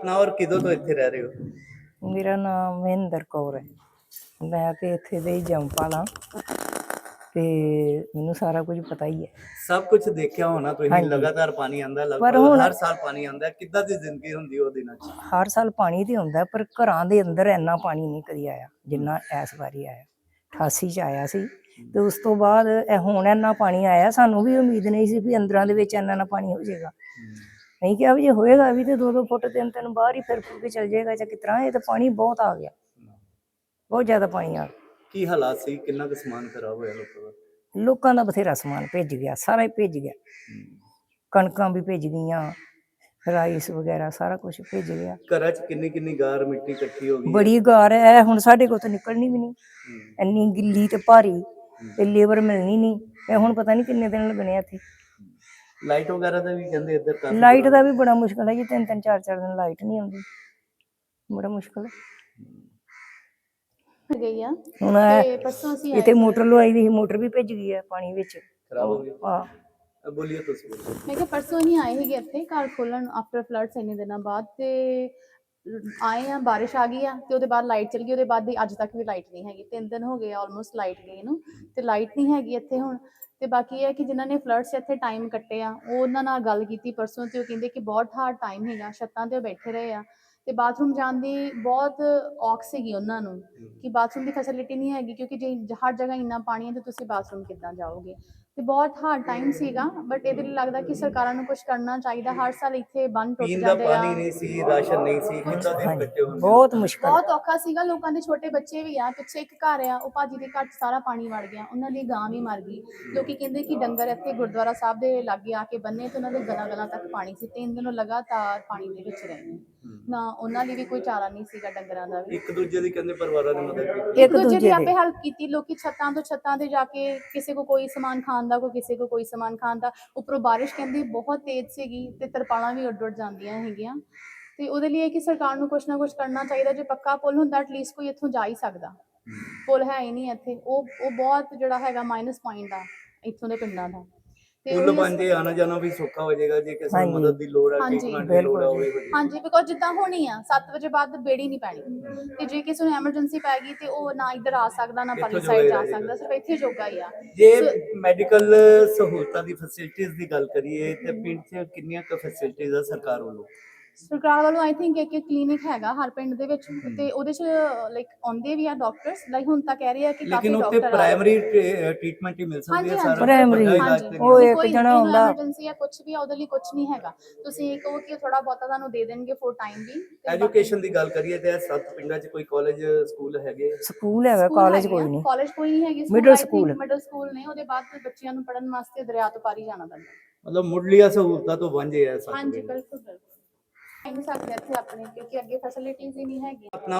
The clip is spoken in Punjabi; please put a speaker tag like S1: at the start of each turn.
S1: ਆਪਣਾ ਔਰ ਕਿਦੋਂ ਤੋਂ ਇੱਥੇ ਰਹਿ ਰਹੇ ਹੋ?
S2: ਮੇਰਾ ਨਾਮ ਮਹਿੰਦਰ ਕੌਰ ਹੈ। ਮੈਂ ਤੇ ਇੱਥੇ ਦੇ ਹੀ ਜੰਮਪਲ ਹਾਂ ਤੇ ਮੈਨੂੰ ਸਾਰਾ ਕੁਝ ਪਤਾ ਹੀ ਹੈ।
S1: ਸਭ ਕੁਝ ਦੇਖਿਆ ਹੋਣਾ ਤੁਸੀਂ।
S2: ਹਾਂਜੀ।
S1: ਲਗਾਤਾਰ ਪਾਣੀ ਆਂਦਾ,
S2: ਪਰ
S1: ਲਗਭਗ
S2: ਹੁਣ
S1: ਹਰ ਸਾਲ ਪਾਣੀ ਆਂਦਾ। ਕਿੱਦਾਂ ਦੀ ਜ਼ਿੰਦਗੀ ਹੁੰਦੀ ਉਹ ਦਿਨਾਂ 'ਚ?
S2: ਹਰ ਸਾਲ ਪਾਣੀ ਤੇ ਹੁੰਦਾ, ਪਰ ਘਰਾਂ ਦੇ ਅੰਦਰ ਇੰਨਾ ਪਾਣੀ ਨਹੀਂ ਕਦੀ ਆਇਆ ਜਿੰਨਾ ਇਸ ਵਾਰੀ ਆਇਆ। 88 ਚ ਆਇਆ ਸੀ ਤੇ ਉਸ ਤੋਂ ਬਾਅਦ ਹੁਣ ਇੰਨਾ ਪਾਣੀ ਆਇਆ। ਸਾਨੂੰ ਵੀ ਉਮੀਦ ਨਹੀਂ ਸੀ ਵੀ ਅੰਦਰਾਂ ਦੇ ਵਿੱਚ ਇੰਨਾ ਪਾਣੀ ਹੋ ਜਾਏਗਾ। ਨਹੀਂ ਕਿਹਾ ਵੀ ਜੇ ਹੋਏਗਾ ਵੀ ਤੇ 2-2 ਫੁੱਟ 3-3 ਬਾਹਰ ਹੀ ਫਿਰ ਫੁਰ ਕੇ ਚਲ ਜਾਏਗਾ ਜਾਂ ਕਿਸ ਤਰ੍ਹਾਂ। ਇਹ ਤਾਂ ਪਾਣੀ ਬਹੁਤ ਆ ਗਿਆ, ਬਹੁਤ ਜ਼ਿਆਦਾ ਪਾਣੀ ਆ ਗਿਆ।
S1: ਕੀ ਹਾਲਾਤ ਸੀ? ਕਿੰਨਾ ਕੁ ਸਮਾਨ ਖਰਾਬ ਹੋਇਆ ਲੋਕਾਂ ਦਾ?
S2: ਲੋਕਾਂ ਦਾ ਬਥੇਰਾ ਸਮਾਨ ਭਿੱਜ ਗਿਆ, ਸਾਰਾ ਹੀ ਭਿੱਜ ਗਿਆ। ਕਣਕਾਂ ਵੀ ਭਿੱਜ ਗਈਆਂ, ਰਾਈਸ ਵਗੈਰਾ ਸਾਰਾ ਕੁਝ ਭਿੱਜ ਗਿਆ।
S1: ਘਰਾਂ 'ਚ ਕਿੰਨੀ ਕਿੰਨੀ ਗਾਰ ਮਿੱਟੀ ਇਕੱਠੀ ਹੋ ਗਈ?
S2: ਬੜੀ ਗਾਰ ਹੈ ਹੁਣ ਸਾਡੇ ਕੋਲ ਤਾਂ ਨਿਕਲਣੀ ਵੀ ਨਹੀਂ, ਇੰਨੀ ਗਿੱਲੀ ਤੇ ਭਾਰੀ ਤੇ ਲੇਬਰ ਮਿਲਣੀ ਨਹੀਂ। ਇਹ ਹੁਣ ਪਤਾ ਨਹੀਂ ਕਿੰਨੇ ਦਿਨ ਲੱਗਣੇ ਇੱਥੇ।
S1: ਲਾਈਟ ਵਗੈਰਾ ਦਾ ਵੀ ਕਹਿੰਦੇ ਇੱਧਰ ਕਾਫੀ
S2: ਲਾਈਟ ਦਾ ਵੀ ਬੜਾ ਮੁਸ਼ਕਲ ਹੈ ਜੀ। 3-3 4-4 ਦਿਨ ਲਾਈਟ ਨਹੀਂ ਆਉਂਦੀ, ਬੜਾ ਮੁਸ਼ਕਲ
S3: ਗਈ ਆ।
S2: ਹੁਣ
S3: ਤੇ ਪਰਸੋਂ ਅਸੀਂ
S2: ਇੱਥੇ ਮੋਟਰ ਲਵਾਈ ਦੀ ਸੀ, ਮੋਟਰ ਵੀ ਭਿੱਜ ਗਈ ਹੈ ਪਾਣੀ ਵਿੱਚ।
S1: ਖਰਾਬ ਹੋ ਗਈ।
S2: ਹਾਂ
S1: ਬੋਲੀਏ ਤੁਸੀਂ।
S3: ਮੈਂ ਕਿਹਾ ਪਰਸੋਂ ਹੀ ਆਏ ਸੀਗੇ ਇੱਥੇ ਘਰ ਖੋਲਣ ਆਫਟਰ ਫਲੱਡਸ ਇੰਨੇ ਦਿਨਾਂ ਬਾਅਦ। ਤੇ ਆਏ ਆ, ਬਾਰਿਸ਼ ਆ ਗਈ ਆ ਤੇ ਉਹਦੇ ਬਾਅਦ ਲਾਈਟ ਚਲ ਗਈ। ਉਹਦੇ ਬਾਅਦ ਦੀ ਅੱਜ ਤੱਕ ਵੀ ਲਾਈਟ ਨਹੀਂ ਹੈਗੀ। 3 ਦਿਨ ਹੋ ਗਏ ਆਲਮੋਸਟ ਲਾਈਟ ਗਈ ਨੂੰ, ਤੇ ਲਾਈਟ ਨਹੀਂ ਹੈਗੀ ਇੱਥੇ ਹੁਣ। ਤੇ ਬਾਕੀ ਇਹ ਹੈ ਕਿ ਜਿਨ੍ਹਾਂ ਨੇ ਫਲੱਡਸ ਇੱਥੇ ਟਾਈਮ ਕੱਟੇ ਆ, ਉਹ ਉਹਨਾਂ ਨਾਲ ਗੱਲ ਕੀਤੀ ਪਰਸੋਂ ਤੇ ਉਹ ਕਹਿੰਦੇ ਕਿ ਬਹੁਤ ਹਾਰਡ ਟਾਈਮ ਹੈਗਾ। ਛੱਤਾਂ ਤੇ ਬੈਠੇ ਰਹੇ ਆ ਤੇ ਬਾਥਰੂਮ ਜਾਣ ਦੀ ਬਹੁਤ ਔਖ ਸੀਗੀ ਉਹਨਾਂ ਨੂੰ ਕਿ ਬਾਥਰੂਮ ਦੀ ਫੈਸਿਲਿਟੀ ਨਹੀਂ ਹੈਗੀ, ਕਿਉਂਕਿ ਜੇ ਹਰ ਜਗ੍ਹਾ ਇੰਨਾ ਪਾਣੀ ਹੈ ਤੇ ਤੁਸੀਂ ਬਾਥਰੂਮ ਕਿੱਦਾਂ ਜਾਓਗੇ। ਤੇ ਬਹੁਤ ਹਾਰਡ ਟਾਈਮ ਸੀਗਾ। ਬਟ ਇਹਦੇ ਲਈ ਲੱਗਦਾ ਕਿ ਸਰਕਾਰਾਂ ਨੂੰ ਕੁਝ ਕਰਨਾ ਚਾਹੀਦਾ। ਹਰ ਸਾਲ ਇੱਥੇ ਬੰਨ ਟੁੱਟ
S1: ਪੀਣ ਦਾ
S3: ਜਾਂਦੇ ਆ।
S1: ਪਾਣੀ ਨਹੀਂ ਸੀ, ਰਾਸ਼ਨ ਨਹੀਂ ਸੀ, ਕਿੰਨਾ ਦਿਨ ਕੱਟੇ ਹੋਣਗੇ।
S2: ਬਹੁਤ ਮੁਸ਼ਕਲ,
S3: ਬਹੁਤ ਔਖਾ ਸੀਗਾ। ਲੋਕਾਂ ਦੇ ਛੋਟੇ ਬੱਚੇ ਵੀ ਆ। ਪਿੱਛੇ ਇੱਕ ਘਰ ਆ, ਉਹ ਭਾਜੀ ਦੇ ਘਰ 'ਚ ਸਾਰਾ ਪਾਣੀ ਵੜ ਗਿਆ, ਉਹਨਾਂ ਦੀ ਗਾਂ ਵੀ ਮਰ ਗਈ। ਲੋਕੀ ਕਹਿੰਦੇ ਕਿ ਡੰਗਰ ਇੱਥੇ ਗੁਰਦੁਆਰਾ ਸਾਹਿਬ ਦੇ ਲਾਗੇ ਆ ਕੇ ਬੰਨੇ ਤੇ ਉਹਨਾਂ ਦੇ ਗਲਾਂ ਤੱਕ ਪਾਣੀ ਸੀ। 3 ਦਿਨ ਲਗਾਤਾਰ ਪਾਣੀ ਦੇ ਵਿੱਚ ਰਹੇ ਨੇ। ਨਾ ਉਹਨਾਂ ਲਈ ਵੀ ਕੋਈ ਚਾਰਾ ਨਹੀਂ ਸੀਗਾ, ਡੰਗਰਾਂ ਦਾ ਵੀ।
S1: ਇੱਕ ਦੂਜੇ ਦੀ ਕਹਿੰਦੇ ਪਰਿਵਾਰਾਂ ਦੀ ਮਦਦ ਕੀਤੀ।
S3: ਇੱਕ ਦੂਜੇ ਦੀ ਆਪੇ ਹੈਲਪ ਕੀਤੀ। ਲੋਕੀ ਛੱਤਾਂ ਤੋਂ ਛੱਤਾਂ ਤੇ ਜਾ ਕੇ ਕਿਸੇ ਕੋ ਕੋਈ ਸਮਾਨ ਖਾਣ ਦਾ, ਕੋਈ ਕਿਸੇ ਕੋ ਕੋਈ ਸਮਾਨ ਖਾਣ ਦਾ। ਉੱਪਰੋਂ ਬਾਰਿਸ਼ ਕਹਿੰਦੀ ਬਹੁਤ ਤੇਜ਼ ਸੀਗੀ ਤੇ ਤਰਪਾਲਾਂ ਵੀ ਉੱਡ ਜਾਂਦੀਆਂ ਹੈਗੀਆਂ। ਤੇ ਉਹਦੇ ਲਈ ਕਿ ਸਰਕਾਰ ਨੂੰ ਕੁਛ ਨਾ ਕੁਛ ਕਰਨਾ ਚਾਹੀਦਾ। ਜੇ ਪੱਕਾ ਪੁਲ ਹੁੰਦਾ ਐਟਲੀਸਟ ਕੋਈ ਇੱਥੋਂ ਜਾ ਹੀ ਸਕਦਾ। ਪੁਲ ਹੈ ਹੀ ਨਹੀਂ ਇੱਥੇ। ਉਹ ਬਹੁਤ ਜਿਹੜਾ ਹੈਗਾ ਮਾਈਨਸ ਪੁਆਇੰਟ ਆ ਇੱਥੋਂ ਦੇ ਪਿੰਡਾਂ ਦਾ।
S1: ਪੁਲ ਬਣ ਜੇ ਆਣਾ ਜਾਣਾ ਵੀ ਸੌਖਾ ਹੋ ਜਾਏਗਾ। ਜੇ ਕਿਸੇ ਨੂੰ ਮਦਦ ਦੀ ਲੋੜ ਹੈ, ਟ੍ਰੀਟਮੈਂਟ ਦੀ ਲੋੜ ਹੋਵੇ।
S3: ਹਾਂਜੀ, ਬਿਕੋਜ਼ ਜਿੱਦਾਂ ਹੋਣੀ ਆ 7 ਵਜੇ ਬਾਅਦ ਬੇੜੀ ਨਹੀਂ ਪੈਣੀ ਤੇ ਜੇ ਕਿਸੇ ਨੂੰ ਐਮਰਜੈਂਸੀ ਪੈ ਗਈ ਤੇ ਉਹ ਨਾ ਇੱਧਰ ਆ ਸਕਦਾ, ਨਾ ਪਰਲੀ ਸਾਈਡ ਜਾ ਸਕਦਾ, ਸਿਰਫ ਇੱਥੇ ਜੋਗਾ ਹੀ ਆ।
S1: ਜੇ ਮੈਡੀਕਲ ਸਹੂਲਤਾਂ ਦੀ ਫੈਸਿਲਿਟੀਜ਼ ਦੀ ਗੱਲ ਕਰੀਏ ਤੇ ਪਿੰਡ 'ਚ ਕਿੰਨੀਆਂ ਕੁ ਫੈਸਿਲਿਟੀਜ਼ ਆ ਸਰਕਾਰ ਵੱਲੋਂ?
S3: ਸਰਕਾਰ ਵੱਲੋਂ ਆਈ ਥਿੰਕ ਇੱਕ ਕਲੀਨਿਕ ਹੈਗਾ ਹਰ ਪਿੰਡ ਦੇ ਵਿੱਚ ਤੇ ਉਹਦੇ 'ਚ ਲਾਈਕ ਆਉਂਦੇ ਵੀ ਆ ਡਾਕਟਰਸ। ਲਾਈਕ ਹੁਣ ਤਾਂ ਕਹਿ ਰਹੇ ਆ ਕਿ ਕਾਫੀ ਡਾਕਟਰ ਆ।
S1: ਲੇਕਿਨ ਉੱਥੇ ਪ੍ਰਾਇਮਰੀ ਟ੍ਰੀਟਮੈਂਟ ਹੀ ਮਿਲ ਸਕਦੀ ਹੈ। ਸਾਰਾ
S2: ਪ੍ਰਾਇਮਰੀ ਉਹ ਇੱਕ ਜਣਾ ਹੁੰਦਾ।
S3: ਐਮਰਜੈਂਸੀ ਆ ਕੁਝ ਵੀ ਆ, ਉਹਦੇ ਲਈ ਕੁਝ ਨਹੀਂ ਹੈਗਾ। ਤੁਸੀਂ ਕਹੋ ਕਿ ਥੋੜਾ ਬਹੁਤਾ ਤੁਹਾਨੂੰ ਦੇ ਦੇਣਗੇ ਫੋਰ ਟਾਈਮ ਵੀ।
S1: ਐਜੂਕੇਸ਼ਨ ਦੀ ਗੱਲ ਕਰੀਏ ਤੇ 7 ਪਿੰਡਾਂ 'ਚ ਕੋਈ ਕਾਲਜ ਸਕੂਲ ਹੈਗੇ?
S2: ਸਕੂਲ ਹੈਗਾ, ਕਾਲਜ ਕੋਈ ਨਹੀਂ।
S3: ਕਾਲਜ ਕੋਈ ਨਹੀਂ ਹੈਗੀ।
S2: ਮਿਡਲ ਸਕੂਲ
S3: ਨੇ। ਉਹਦੇ ਬਾਅਦ ਬੱਚਿਆਂ ਨੂੰ ਪੜ੍ਹਨ ਵਾਸਤੇ ਦਰਿਆ ਤੋਂ ਪਾਰੀ ਜਾਣਾ ਪੈਂਦਾ।
S1: ਮਤਲਬ ਮੁੱਢਲੀਆਂ ਸਹੂਲਤਾਂ ਤੋਂ ਵਾਂਝੇ ਆ।
S3: ਹਾਂਜੀ, ਬਿਲਕੁਲ ਬਿਲਕੁਲ। ਨਹੀਂ ਸਕਦੇ ਇੱਥੇ ਆਪਣੇ, ਕਿਉਂਕਿ ਅੱਗੇ ਫੈਸਿਲਿਟੀਜ਼ ਹੀ ਨਹੀਂ ਹੈਗੀਆਂ।